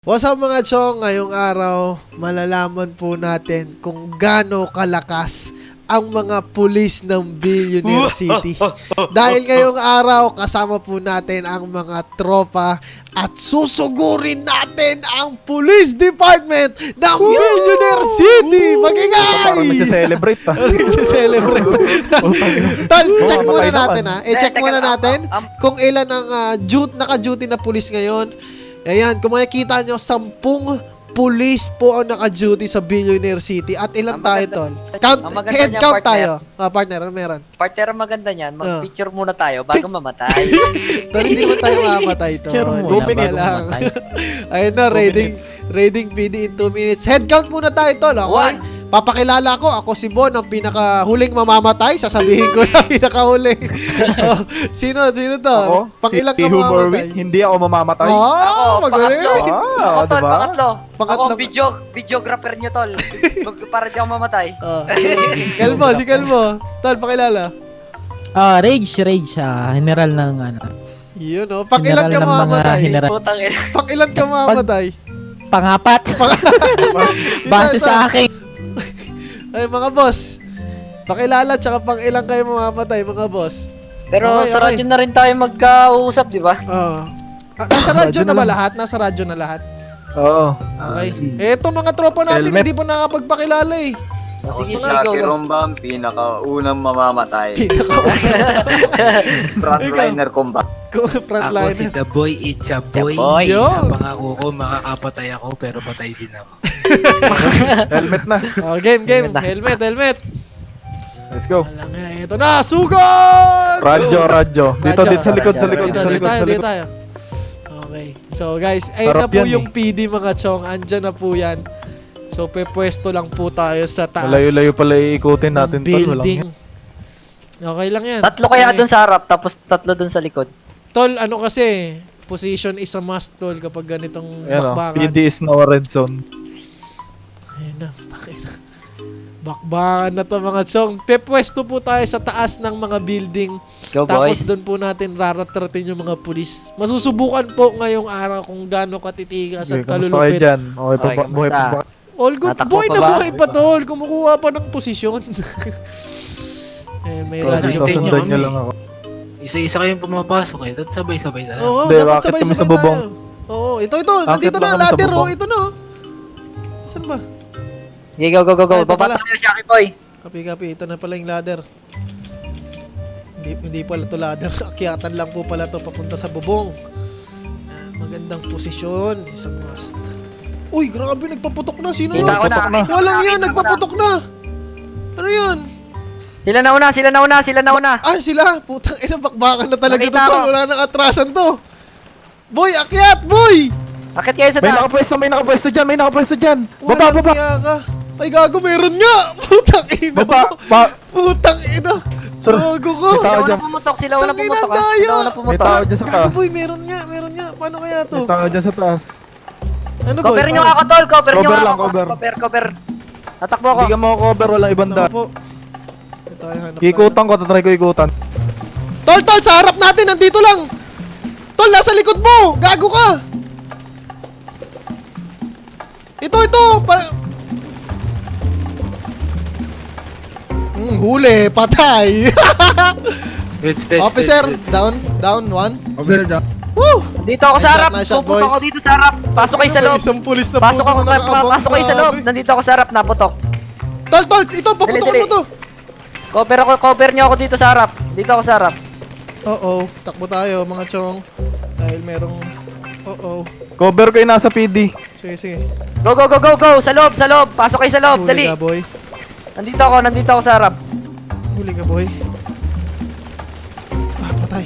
What's up mga chong? Ngayong araw, malalaman po natin kung gaano kalakas ang mga pulis ng Billionaire City. Dahil ngayong araw, kasama po natin ang mga tropa at susugurin natin ang Police Department ng Billionaire City! Magingay! Parang nagse-celebrate pa. Nagse-celebrate. Tol, check muna natin ha. I-check muna natin kung ilan ang naka-duty na pulis ngayon. Ayan, kung makikita nyo, 10 police po ang naka-duty sa Billionaire City. At ilan tayo, Tol? Head count tayo. Partner, ano meron? Partner, ang maganda niyan, mag-picture muna tayo bago mamatay. Tol, hindi mo tayo mamatay, Tol. Picture muna, 2 minutes bago lang. Ayun na, raiding PD in 2 minutes. Head count muna tayo, Tol. Okay? Papakilala ko, ako si Bon, ang pinakahuling mamamatay. Sasabihin ko na pinakahuling. Sino to? Ako, Pang-ilang si ka mamamatay? Hindi ako mamamatay. Ako, magaling. pangatlo. Ako, tol, diba? pangatlo. Ako, Pangatlo. videographer nyo, tol. Para di ako mamatay. Kelmo, si Kelmo. Tol, pakilala. Rage, general ng ano. Yun o. Pang-ilan ka General ng mga mamamatay? general. Putang ina. Pang-ilan ka mamamatay? Pangapat. Base sa akin. Ay, mga boss. Pakilala, tsaka pang-ilan kayo mamamatay, mga boss. Pero Okay, sa okay. radyo na rin tayo magkausap, di ba? Nasa radyo Radyo na na ba lang. lahat? Nasa radyo na lahat? Oo. Okay. Eto mga tropa natin, Helmet. hindi po nakapagpakilala eh. Sige, Ako si sige, Lucky go. Rombang, pinakaunang mamamatay. Pinaka- Frontliner combat. Ako si Frontliner. The Boy Itchaboy. Itchaboy. Yun. Pangako ko, makakapatay ako pero patay din ako. Helmet na. Oh, game. Helmet na. Helmet. Let's go. Alam nga, ito na, sugod! Radyo. Dito sa likod. Dito tayo. Okay. So guys, ayun na Sarap po yan, yung PD mga chong. Andyan na po yan. So pwesto lang po tayo sa taas. Malayo-layo pala iikutin natin ng tol. Walang building. Okay lang yan. Tatlo kaya Okay. dun sa harap, tapos tatlo dun sa likod. Tol, ano kasi, position is a must, tol, kapag ganitong Ayan o. bakbakan. PD is now a red zone. Ayun na, takin na. Bakbakan na to mga chong. Pepwesto po tayo sa taas ng mga building. Go, Tapos boys. doon po natin raratratin yung mga pulis. Masusubukan po ngayong araw kung gaano katitigas Okay, at kamusta kayo kalulupit. dyan? Okay pa Okay, ba? Buhay pa kamusta? ba? All good. Natakbo Boy pa na ba? buhay pa tol. Kumukuha pa ng posisyon. May So, radyo. Hintayin nyo sundan nyo kami. lang ako. Isa-isa kayong pumapasok eh. Tapos sabay-sabay na. Oo, Hindi, dapat bakit kami sabay-sabay sa bubong? tayo. Oo, ito. Bakit Nandito ba na ang kami sa ladder. Oh, bubong? ito na. Oh. Saan ba? Okay, go. Ay, ito Baba pala. tayo, Shaki Boy. Kapi. Ito na pala yung ladder. Hindi pala to ladder. Akyatan lang po pala to papunta sa bubong. Yan, magandang posisyon. Isang must. Uy, grabe. Nagpaputok na. Sino yun? Kita ko na. Walang yan. Nagpaputok na. Ano yan? Sila nauna. Ah, sila. Putang ina. Bakbakan na talaga Nakita to. ko. Wala nang atrasan to. Boy, akyat. Boy! Akit kayo sa May taas. nakapwesto dyan. Walang Baba. niya ka. Ay, gago. Meron nga. Putang ina. Baba. Putang ina. Sir, Gago ko. may tao Sila dyan. una pumutok, sila una Tangina, pumutok. tayo. Sila una May pumutok. tao dyan sa Gago, taas. boy. Meron nga. Paano kaya to? May tao dyan sa taas. Ano, boy? Cover nyo ako, tol. Cover nyo Cover lang, ako. cover. Cover. Tatakbo ako. Hindi ka makakover. Walang ibang Ano daan. po? Ito ay hanap Ikutan ko. Tatry ko ikutan. Tol, sa harap natin. Nandito lang. Tol, nasa likod mo. Gago ka. Ito. Huli. Patay. Officer, down, one. Woo! Dito ako sa harap. Nice shot, Pupunta boys. ako dito sa harap. Pasok kayo sa loob. Isang pulis na Pasok puto ako, na nakaabang. pasok kayo sa loob. Nandito ako sa harap, naputok. Tol, ito, paputokan Dali. mo to. Cover nyo ako dito sa harap. Dito ako sa harap. Oo, takbo tayo mga chong. Dahil merong... Oo. Cover ko yung nasa PD. Sige. Go. Sa loob. Pasok kayo sa loob. Huli Dali. ka, boy. Nandito ako sa harap. Huli ka, boy. Ah, patay.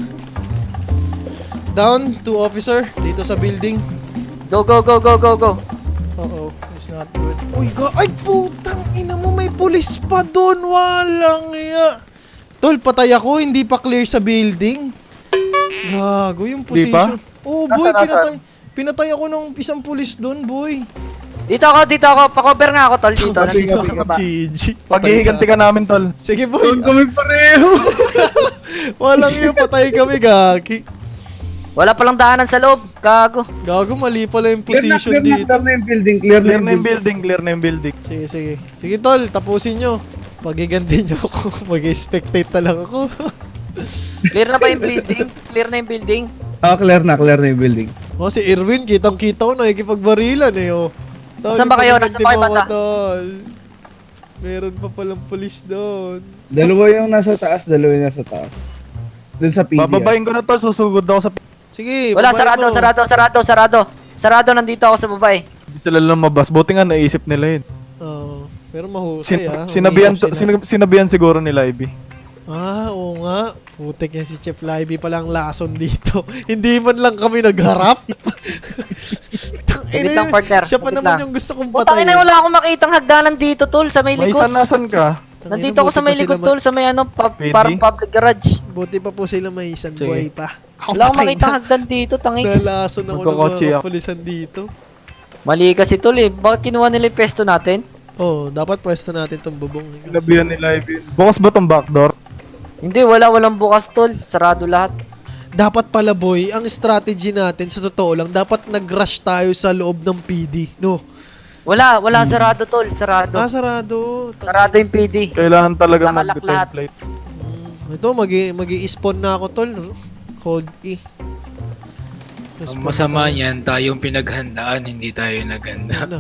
Down, 2 officer. Dito sa building. Go. Oo, it's not good. Uy, ay, putang ina mo. May pulis pa doon. Walang iya. Tol, patay ako. Hindi pa clear sa building. Gago yung Di pa? position. Oo, boy. Nasaan? Pinatay ako ng isang pulis doon, boy. Dito ako. Pa-cover nga ako, tol. Dito. Nandito ako sa baba. GG. Paghihiganti ka namin, tol. Sige, boy. Kami pareho. Walang iyo, patay kami, gagi. Wala palang daanan sa loob. Gago. Gago, mali pala yung Clear na, position clear na, dito. clear na yung building, clear na Clear yung na yung building. building, clear na yung building. Sige, sige. Sige, tol, tapusin nyo. Pagiganti nyo ako. Mag-spectate na lang ako. Clear na ba yung building? Clear na yung building? Clear na yung building. Oh, si Irwin, kitang-kita ko, nakikipagbarilan eh, oh. Tol, Nasaan ba kayo? Nasaan ba kayo, pagiganti mo bata? ako, tol. Meron pa palang pulis doon. Dalawa yung nasa taas, dalawa yung nasa taas. Doon sa PD. Bababayin ko na tol, susugod ako sa Sige, Wala, babae sarado, mo. sarado. Sarado, nandito ako sa babae. Hindi sila lumabas. Buti nga naisip nila yun. Oo. Pero mahusay Sinabihan, Umisip sila. sinabihan siguro nila, Ivy. Oo nga. Putik yan si Chef Libby palang lason dito. Hindi man lang kami nagharap. Wait lang, partner. Siya pa Wait naman lang. yung gusto kong Putang patayin. ina, wala akong makitang hagdanan dito, tol, sa may May likod. nasan ka? Nandito ako sa may likod, tol, sa may ano, PD? parang public garage. Buti pa po sila may isang Sige. buhay pa. Wala akong makitang hagdan dito, tangik. Nalason ako ng Magkakotse mga ako. kapulisan dito. Mali kasi, tol, eh. Bakit kinuha nila yung pesto natin? Dapat pwesto natin tong bubong. Sinabihan nila, Ivy. Bukas ba tong backdoor? Hindi, walang bukas, tol. Sarado lahat. Dapat pala boy, ang strategy natin sa totoo lang, dapat nag-rush tayo sa loob ng PD, no? Wala, sarado, tol. Sarado. Sarado. Sarado yung PD. Kailangan talaga Nakalak lahat. mag-template. Ito, mag-i-spawn na ako, tol. Hold E. Ang masama niyan, tayong pinaghandaan, hindi tayo naghanda.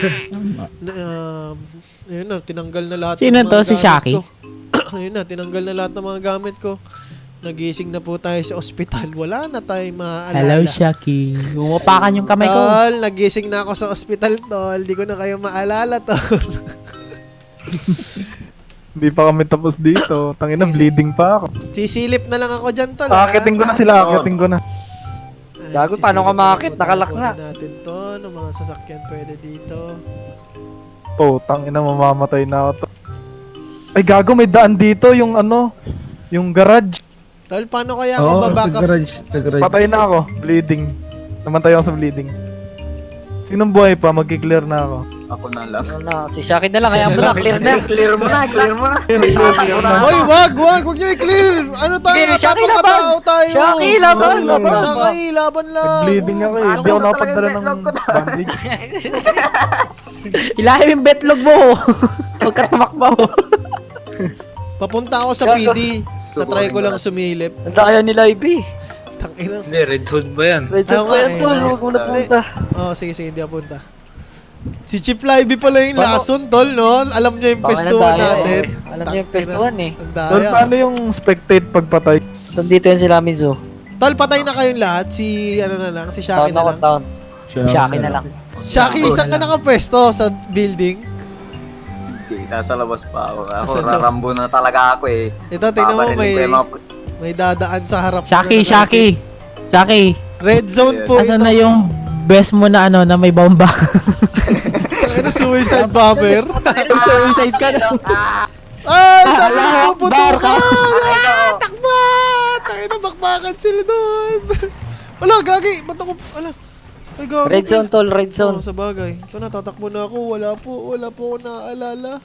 Ayun na, tinanggal na lahat Sino ng to? mga Si gamit Shaki? ko. Ayun na, tinanggal na lahat ng mga gamit ko. Nagising na po tayo sa ospital. Wala na tayong maaalala. Hello, Shaki. Umapakan yung kamay ko. Tol, nagising na ako sa ospital, tol. Di ko na kayo maalala, tol. Hindi pa kami tapos dito. Tangina, bleeding pa ako. Sisilip na lang ako dyan, tol. ha? Akitin ko na sila, akitin ko na. Ay, Gago, paano ka sisilip makakit? ako. Nakalak na. Kunin natin to. Ng mga sasakyan pwede dito. Oh, tangina, mamamatay na ako to. Ay, gago, may daan dito, yung ano, yung garage. Tol, paano kaya Oo, ako sa babackup? garage, sa garage. Patay na ako, bleeding. Namatay ako sa bleeding. Sinong buhay pa? Magki-clear na ako. Ako na lang. Ano, si Shaki na lang. Kaya mo na, clear na. Clear mo na, clear mo na. Hoy, wag nyo i-clear. Ano tayo? Sige, Shaki Tapang laban. katao tayo. Shaki, laban. Shaki, laban lang. Bleeding ako eh. Hindi ako nakapadala ng bandage. Ilalim yung betlog mo. Huwag ka tumakbo. Papunta ako sa PD. Tatry ko lang sumilip. Ang daya nila, Ivy. Tangina. Hindi, red zone ba yan? Red zone Oo ko nga yan, eh. tol. Huwag mo na punta. Sige, hindi ako punta. Si Chief Libby pala yung lason, tol, no? Alam niya yung Baka pestuhan nandaya, natin. Alam niyo yung pestuhan, eh. Ang Tol, daya. paano yung spectate pagpatay? Nandito yan sila, Mizu. Tol, patay na kayong lahat. Si, ano na lang, si Shaki Taon na ako, lang. taon. Shaki na lang. Shaki, saan ka nakapwesto? Sa building? Okay, nasa labas pa ako. Ako, Nasa loob. rarambo na talaga ako eh. Ito, tingnan mo, Babarilin ko yung mga may dadaan sa harap. Shaki, na- Shaki. Shaki. Red zone po Asan ito. na yung best mo na ano, na may bomba? Ano, suicide bomber? Suicide ka na. Ay, Allahu puputukan! Akbar. Takbo! Tayo na, bakbakan sila doon. Wala, gagi. Ba't ako, ala. Ay, gagi. Red zone, tol. Red Oo, zone. sa bagay. Ito na, tatakbo na ako. Wala po ako naaalala.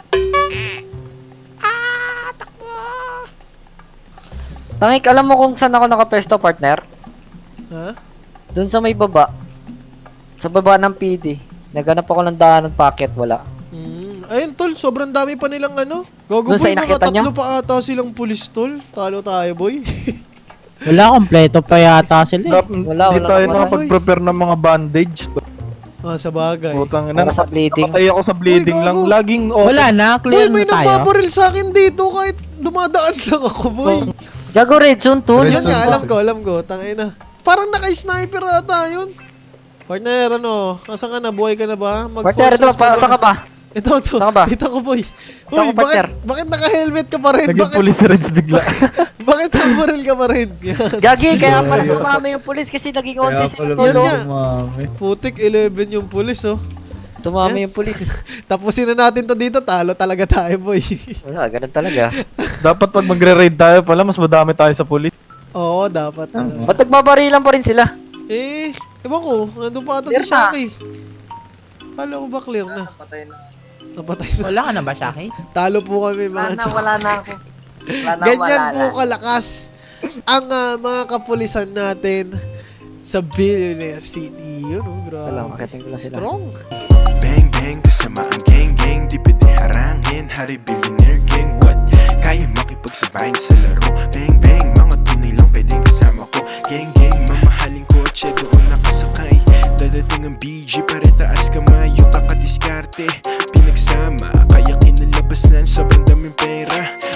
Tangik, alam mo kung saan ako nakapesto, partner? Ha? Doon sa may baba. Sa baba ng PD. Naghanap ako ng daan ng packet, wala. Ayun, tol, sobrang dami pa nilang ano. Gogo Doon sa boy, inakita nakatatlo niyo? pa ata silang pulis, tol. Talo tayo, boy. Wala, kompleto pa yata sila. Wala, Hindi wala, tayo wala. nakapag-prepare ng mga bandage. Sa bagay. Putang ina, Para sa bleeding. nakatay ako sa bleeding Uy, lang. gago. Laging Wala na, Boy, clear may na tayo. nagbabaril sa akin dito kahit dumadaan lang ako, boy. Gago, red zone, tol. Yun nga, alam ko. Tangay na. Parang naka-sniper ata yun. Partner, ano? Asan ka na? Buhay ka na ba? Partner, ito, saan ka ba? Ito. Saan ka ba? Ito ko, boy. Ito ako, partner. Bakit naka-helmet ka pa rin? naging Bakit, police reds bigla. bakit nakabaril ka pa rin? Yan. Gagi, kaya pala tumama yung pulis kasi naging 11 sila, Yun tol. nga. Putik, 11 yung pulis, oh. Tumama yung pulis. Tapusin na natin to dito. Talo talaga tayo, boy. Wala, ganun talaga. Dapat pag magre-raid tayo pala, mas madami tayo sa police. Oo, dapat. talaga. Ba't nagbabarilan pa rin sila? Ewan ko. Nandun pa ata Clear si na. Shaki. Kala ko ba clear na? Patay na. Napatay na. Wala ka na ba, Shaki? Talo po kami, mga Wala na ako. Wala na, Ganyan wala po na. kalakas ang mga kapulisan natin sa Billionaire City. Yun, oh, grabe. Wala, makiting ko lang sila. Strong. Bang bang kasama ang gang gang, di pwede harangin. Hari billionaire gang, what? Kaya makipagsabayin sa laro. Bang bang, mga tunay lang pwedeng kasama ko. Gang gang, mamahaling kotse doon nakasakay. Dadating ang BG, pare taas kamay. Yuta ka diskarte, pinagsama, kaya kinalabasan. Sobrang daming pera.